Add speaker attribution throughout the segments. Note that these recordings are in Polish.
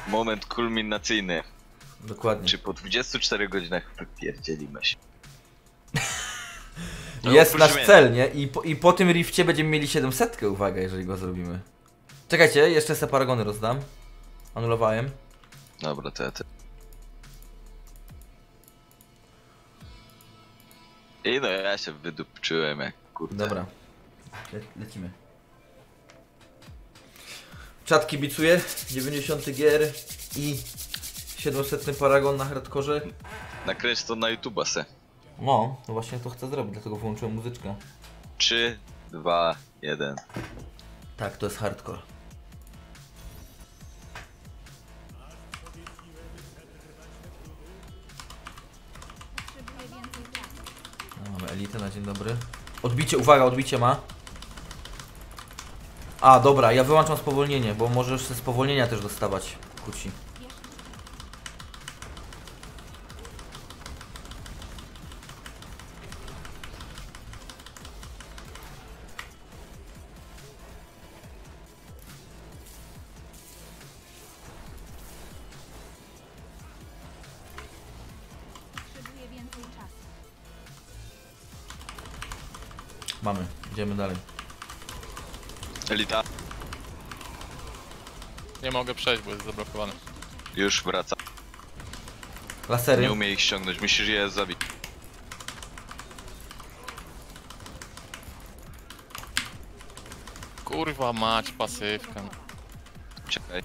Speaker 1: Moment kulminacyjny.
Speaker 2: Dokładnie.
Speaker 1: Czy po 24 godzinach wypierdzielimy się?
Speaker 2: Jest nasz cel, nie? I po tym rifcie będziemy mieli 700, uwaga, jeżeli go zrobimy. Czekajcie, jeszcze se paragony rozdam. Anulowałem.
Speaker 1: Dobra, to ja te... I no ja się wydupczyłem jak kurde.
Speaker 2: Dobra. Lecimy. Czat kibicuje, 90 gier i 700 paragon na hardkorze.
Speaker 1: Nakręć to na YouTube'a se.
Speaker 2: No właśnie to chcę zrobić, dlatego włączyłem muzyczkę.
Speaker 1: 3, 2, 1.
Speaker 2: Tak, to jest hardcore. No, mamy elitę na dzień dobry. Odbicie, uwaga, odbicie ma. A, dobra, ja wyłączam spowolnienie, bo możesz ze spowolnienia też dostawać kuci. Mamy, idziemy dalej.
Speaker 1: Elita,
Speaker 3: Nie mogę przejść, bo jest zablokowany.
Speaker 1: już wraca.
Speaker 2: Lasery.
Speaker 1: Nie umie ich ściągnąć, musisz je zabić.
Speaker 3: Kurwa mać, pasywka.
Speaker 1: Czekaj.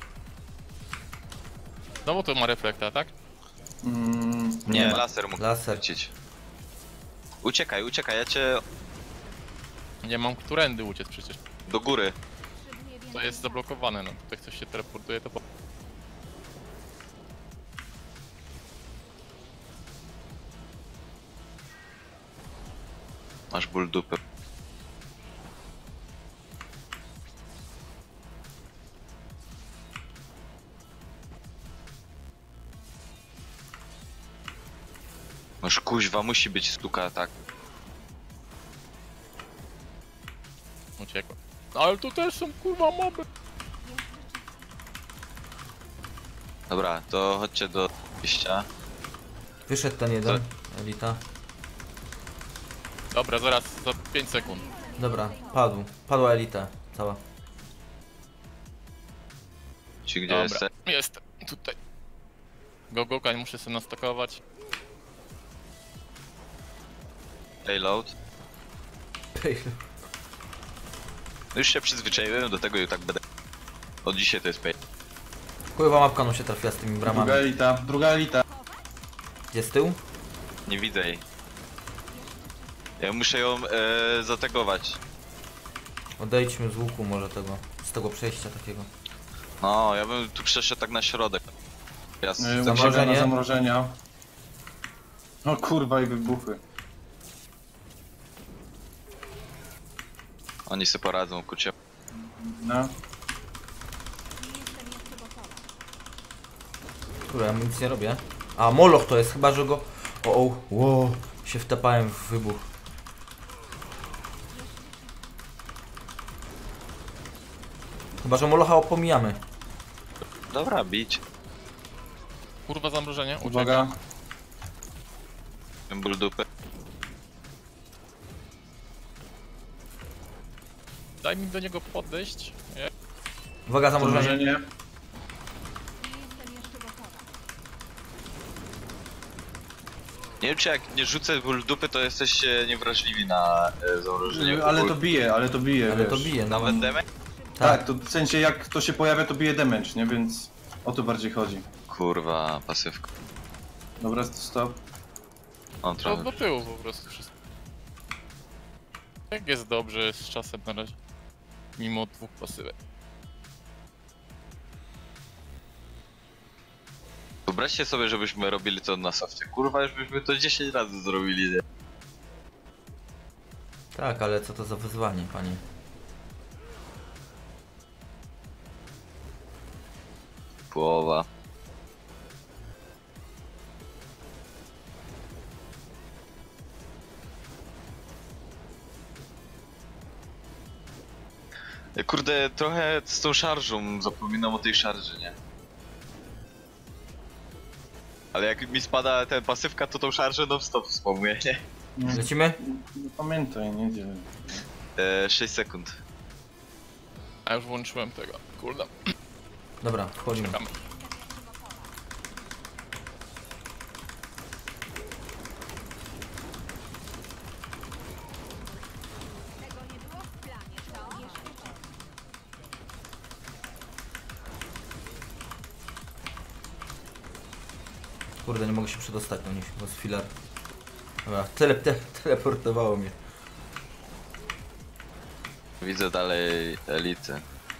Speaker 3: No bo tu ma reflekta, tak?
Speaker 1: Nie,
Speaker 2: ma.
Speaker 1: laser mógł
Speaker 2: Laser.
Speaker 1: lecieć. Uciekaj, uciekaj, ja cię
Speaker 3: Nie mam którędy uciec przecież.
Speaker 1: do góry.
Speaker 3: To jest zablokowane, no. Tutaj ktoś się teleportuje, to...
Speaker 1: Masz ból dupy. Masz kuźwa, musi być stuka, tak.
Speaker 3: Uciekła. No ale tu też są kurwa moby.
Speaker 1: Dobra, to chodźcie do wyjścia.
Speaker 2: Wyszedł ten jeden, elita.
Speaker 3: Dobra, zaraz, za 5 sekund.
Speaker 2: Dobra, padł. Padła elita, cała.
Speaker 1: Ci gdzie
Speaker 3: Dobra,
Speaker 1: jesteś?
Speaker 3: jestem, tutaj. Gogokań muszę sobie nastakować.
Speaker 1: Payload. No już się przyzwyczaiłem do tego i tak będę. Od dzisiaj to jest pay.
Speaker 2: Kurwa mapka no się trafiła z tymi bramami.
Speaker 4: Druga elita.
Speaker 2: Gdzie z tyłu?
Speaker 1: Nie widzę jej. Ja muszę ją zategować.
Speaker 2: Odejdźmy z łuku może tego, z tego przejścia takiego.
Speaker 1: No, ja bym tu przeszedł tak na środek. Ja
Speaker 2: Zamrożenie.
Speaker 4: Zamrożenia. O kurwa i wybuchy.
Speaker 1: Oni sobie poradzą, kucie.
Speaker 4: No.
Speaker 2: Kurwa, ja nic nie robię. A, moloch to jest, chyba że go... O, wow, się wtapałem w wybuch. Chyba że molocha opomijamy.
Speaker 1: Dobra, bić.
Speaker 3: Kurwa zamrożenie, uciekam.
Speaker 4: Uwaga.
Speaker 1: Ból dupy.
Speaker 3: Daj mi do niego podejść. Nie.
Speaker 2: Uwaga, zamrożenie.
Speaker 4: Zamrożenie.
Speaker 1: Nie wiem czy jak nie rzucę ból dupy to jesteście niewrażliwi na zamrożenie.
Speaker 4: Nie, ale to bije,
Speaker 2: Ale
Speaker 4: wiesz.
Speaker 2: to bije, no.
Speaker 1: Nawet damage?
Speaker 4: Tak, to w sensie jak to się pojawia to bije damage, nie? Więc o to bardziej chodzi.
Speaker 1: Kurwa, pasywka.
Speaker 4: Dobra, stop.
Speaker 1: On
Speaker 3: To
Speaker 1: trochę.
Speaker 3: do tyłu po prostu wszystko. Jak jest dobrze z czasem na razie. Mimo 2 pasywek.
Speaker 1: Wyobraźcie sobie, żebyśmy robili to na softie. Kurwa, już byśmy to 10 razy zrobili, nie?
Speaker 2: Tak, ale co to za wyzwanie, panie?
Speaker 1: Połowa. Kurde, trochę z tą szarżą zapominam o tej szarży, nie? Ale jak mi spada ten pasywka, to tą szarżę non-stop wspomnę, nie?
Speaker 2: Lecimy?
Speaker 4: Nie pamiętaj, nie dzielę.
Speaker 1: 6 sekund.
Speaker 3: A już włączyłem tego. Kurde.
Speaker 2: Dobra, wchodzimy.
Speaker 3: Czekamy.
Speaker 2: Kurde, nie mogę się przedostać do nich, bo jest filar. Dobra, teleportowało mnie.
Speaker 1: Widzę dalej elity.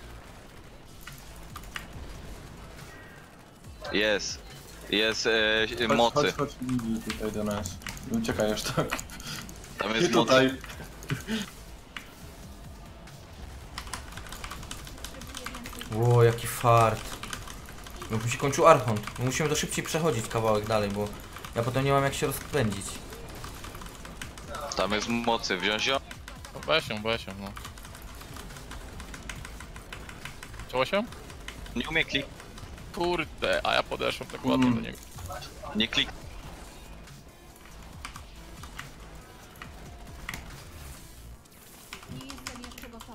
Speaker 1: Jest. Jest mocy.
Speaker 4: Chodź tutaj do nas. Uciekaj już tak.
Speaker 1: Tam
Speaker 4: I
Speaker 1: jest mocy.
Speaker 4: tutaj.
Speaker 2: Ło, jaki fart. No, mi się kończył Archon. Musimy to szybciej przechodzić kawałek dalej, bo ja potem nie mam jak się rozpędzić.
Speaker 1: Tam jest mocy. Wziąć ją?
Speaker 3: No weź ją, no. Chciało się?
Speaker 1: Nie umie klik.
Speaker 3: Kurde, a ja podeszłem tak ładnie do niego.
Speaker 1: Nie klik.
Speaker 5: Nie jestem jeszcze gotowa.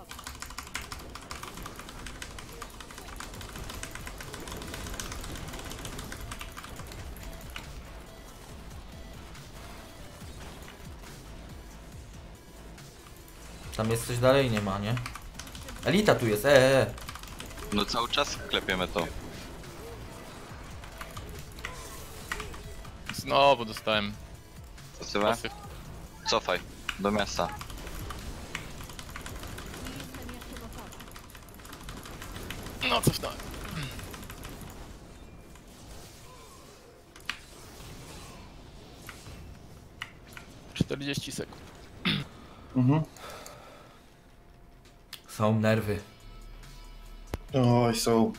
Speaker 2: Tam jest coś dalej? Nie ma, nie? Elita tu jest,
Speaker 1: No cały czas klepiemy to.
Speaker 3: Znowu dostałem
Speaker 1: Pasywę?
Speaker 3: pasyw.
Speaker 1: Cofaj. Do miasta.
Speaker 5: Nie jestem jeszcze gotowa.
Speaker 3: No cofnąłem. 40 sekund.
Speaker 4: Mhm.
Speaker 2: Są nerwy.
Speaker 4: Oj, są.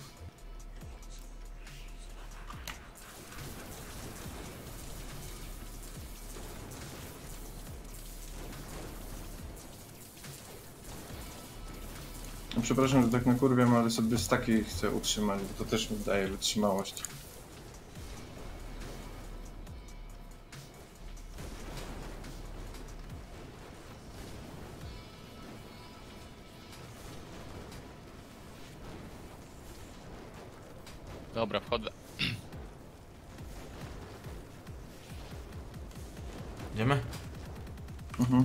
Speaker 4: No, przepraszam, że tak nakurwiam, ale sobie z takiej chcę utrzymać, bo to też mi daje wytrzymałość.
Speaker 3: Dobra, wchodzę.
Speaker 2: Idziemy?
Speaker 4: Mhm.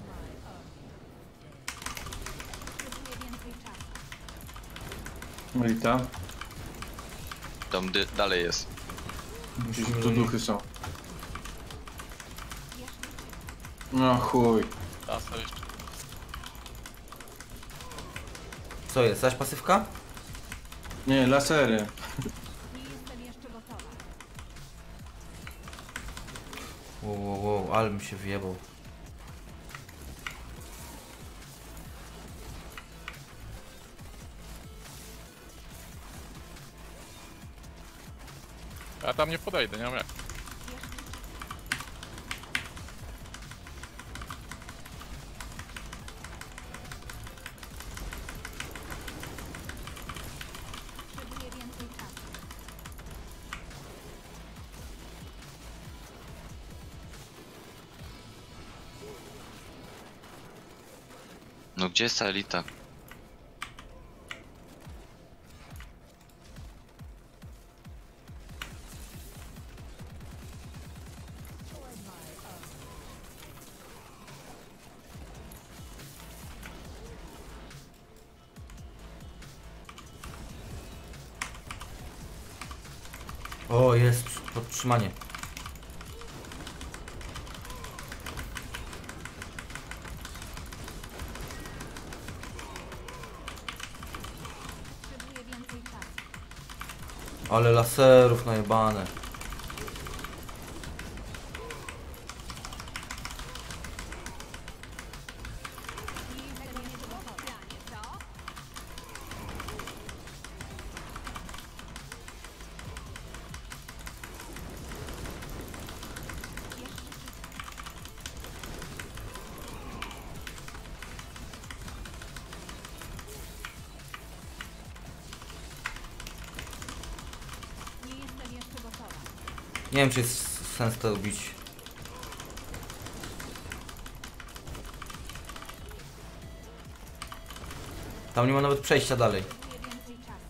Speaker 5: Potrzebuję więcej czasu.
Speaker 4: No i ta.
Speaker 1: Tam dalej jest.
Speaker 2: Musimy
Speaker 4: Tu
Speaker 2: do nich.
Speaker 4: duchy są. No chuj.
Speaker 3: Tasa jeszcze.
Speaker 2: Co jest? Zaś pasywka?
Speaker 4: Nie, lasery.
Speaker 5: Nie jestem jeszcze gotowa.
Speaker 2: Wow, ale mi się wyjebał.
Speaker 3: Ja tam nie podejdę, nie mam jak.
Speaker 5: Potrzebuję więcej czasu.
Speaker 1: No gdzie jest ta elita?
Speaker 2: O, jest podtrzymanie.
Speaker 5: Potrzebuję więcej czasu.
Speaker 2: Ale laserów najebane.
Speaker 5: Nie jestem jeszcze gotowa. Co? Nie jestem jeszcze gotowa.
Speaker 2: Nie wiem, czy jest sens to robić. Tam nie ma nawet przejścia dalej.
Speaker 5: Potrzebuję więcej czasu.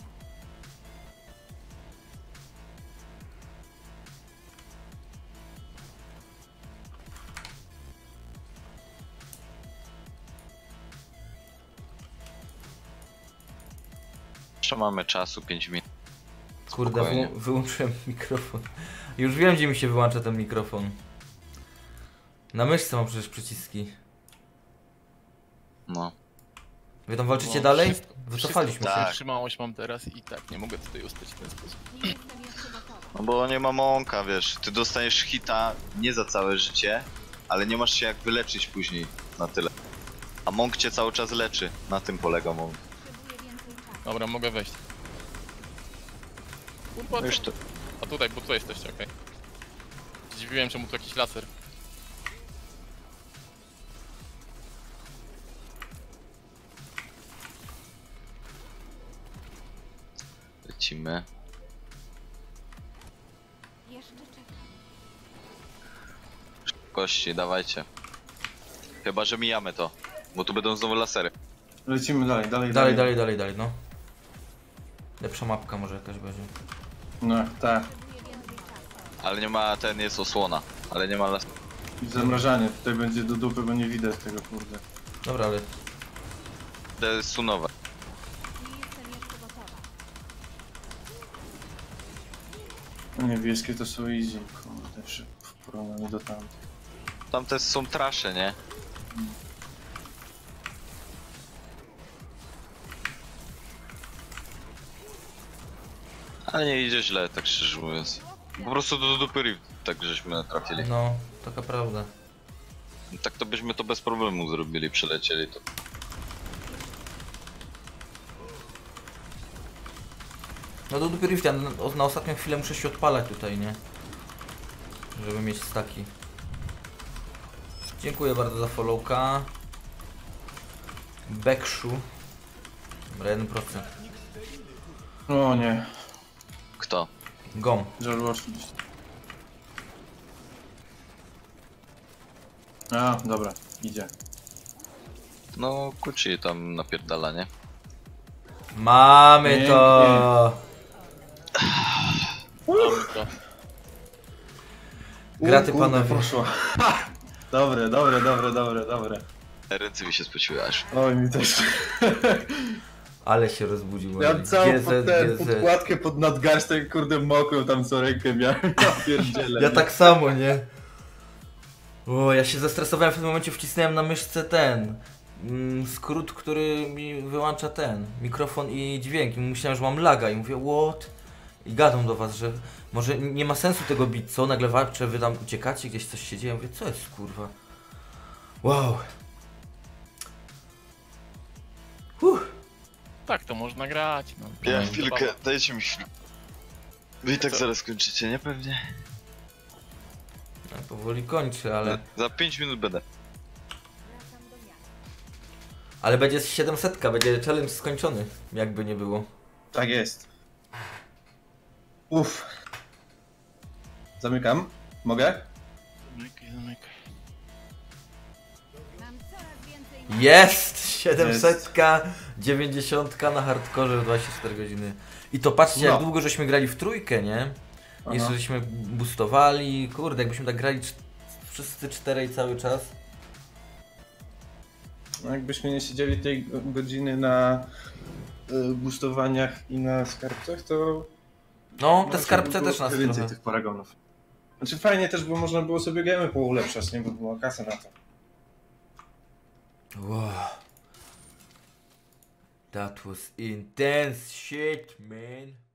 Speaker 1: Jeszcze mamy czasu 5 minut.
Speaker 2: Kurde,
Speaker 1: Spokojnie.
Speaker 2: wyłączyłem mikrofon. Już wiem, gdzie mi się wyłącza ten mikrofon. Na myszce mam przecież przyciski.
Speaker 1: No.
Speaker 2: Wy tam walczycie
Speaker 3: No,
Speaker 2: dalej?
Speaker 3: wszystko-
Speaker 2: Wycofaliśmy
Speaker 3: wszystko
Speaker 2: się.
Speaker 3: Wytrzymałość mam teraz i tak nie mogę tutaj ustać w ten sposób.
Speaker 5: Nie jestem jeszcze gotowa.
Speaker 1: No bo nie ma mąka, wiesz. Ty dostajesz hita nie za całe życie, ale nie masz się jak wyleczyć później na tyle. A mąk cię cały czas leczy. Na tym polega mąk.
Speaker 5: Potrzebuję więcej czasu.
Speaker 3: Dobra, mogę wejść. Kurwa,
Speaker 1: No już to...
Speaker 3: a tutaj, bo tutaj jesteście, okej. Zdziwiłem, czemu tu jakiś laser.
Speaker 1: Lecimy.
Speaker 5: Jeszcze czekam.
Speaker 1: Kości, dawajcie. Chyba, że mijamy to. Bo tu będą znowu lasery.
Speaker 4: Lecimy dalej, dalej,
Speaker 2: Dalej, no. Lepsza mapka może jakaś będzie.
Speaker 4: No, tak.
Speaker 5: Potrzebuję więcej czasu.
Speaker 1: Ale nie ma, ten jest osłona. Ale nie ma lasery.
Speaker 4: I zamrażanie. Tutaj będzie do dupy, bo nie widać tego, kurde.
Speaker 2: Dobra, ale...
Speaker 1: To jest sunowe.
Speaker 5: Nie jestem jeszcze gotowa.
Speaker 4: No niebieskie to są easy, kurde, w porównaniu do tamtych.
Speaker 1: Tamte są trasze, nie? Ale nie idzie źle, tak szczerze mówiąc. Po prostu do dupy Rift, tak żeśmy trafili.
Speaker 2: No, taka prawda.
Speaker 1: Tak to byśmy to bez problemu zrobili, przylecieli to.
Speaker 2: No do dupy Rifta, na ostatnią chwilę muszę się odpalać tutaj, nie? Żeby mieć staki. Dziękuję bardzo za followka. Bekszu. Dobra, 1%.
Speaker 4: O nie,
Speaker 1: Kto?
Speaker 2: Gom.
Speaker 4: żarło oczywiście. A, dobra, idzie.
Speaker 1: No, Kuci tam napierdala, nie?
Speaker 2: Mamy
Speaker 4: Pięknie.
Speaker 2: to!
Speaker 3: Mamy to.
Speaker 2: Graty
Speaker 4: Kurde,
Speaker 2: panowie.
Speaker 4: poszło. Dobre.
Speaker 1: Ręce mi się spociły aż.
Speaker 4: Oj, mi też.
Speaker 2: Ale się rozbudził.
Speaker 4: Miałem całą
Speaker 2: GZ.
Speaker 4: podkładkę pod nadgarstek, kurde, mokrą tam co rękę miałem. Ja pierdzielę.
Speaker 2: Ja tak samo, nie? O, ja się zestresowałem, w tym momencie wcisnąłem na myszce ten skrót, który mi wyłącza ten mikrofon i dźwięk. I myślałem, że mam laga i mówię, what? I gadam do was, że może nie ma sensu tego bić, co? Nagle walczę, wy tam uciekacie, gdzieś coś się dzieje. Mówię, co jest, kurwa? Wow.
Speaker 3: Tak, to można grać. No.
Speaker 1: Ja
Speaker 3: No,
Speaker 1: chwilkę,
Speaker 3: zabawa.
Speaker 1: dajcie mi chwilkę. Wy i tak
Speaker 3: Co?
Speaker 1: zaraz kończycie, nie? Pewnie.
Speaker 2: Ja powoli kończę, ale...
Speaker 1: Za 5 minut będę.
Speaker 5: Wracam do miasta.
Speaker 2: Ale będzie 700, będzie challenge skończony, jakby nie było.
Speaker 4: Tak jest. Uff. Zamykam. Mogę?
Speaker 3: Zamykaj.
Speaker 5: Mam coraz więcej
Speaker 2: Jest! 700, 90 na hardkorze w 24 godziny. I to patrzcie, jak
Speaker 4: No.
Speaker 2: długo żeśmy grali w trójkę, nie? Jeszcze
Speaker 4: Aha.
Speaker 2: żeśmy boostowali, kurde, jakbyśmy tak grali wszyscy czterej cały czas.
Speaker 4: No jakbyśmy nie siedzieli tej godziny na boostowaniach i na skarbcach, to...
Speaker 2: No, te
Speaker 4: no,
Speaker 2: skarbce
Speaker 4: było
Speaker 2: też nas
Speaker 4: więcej
Speaker 2: trochę.
Speaker 4: tych paragonów. Znaczy fajnie też, bo można było sobie gemy poulepszać, nie? Bo była kasa na to.
Speaker 2: Wow. That was intense shit, man.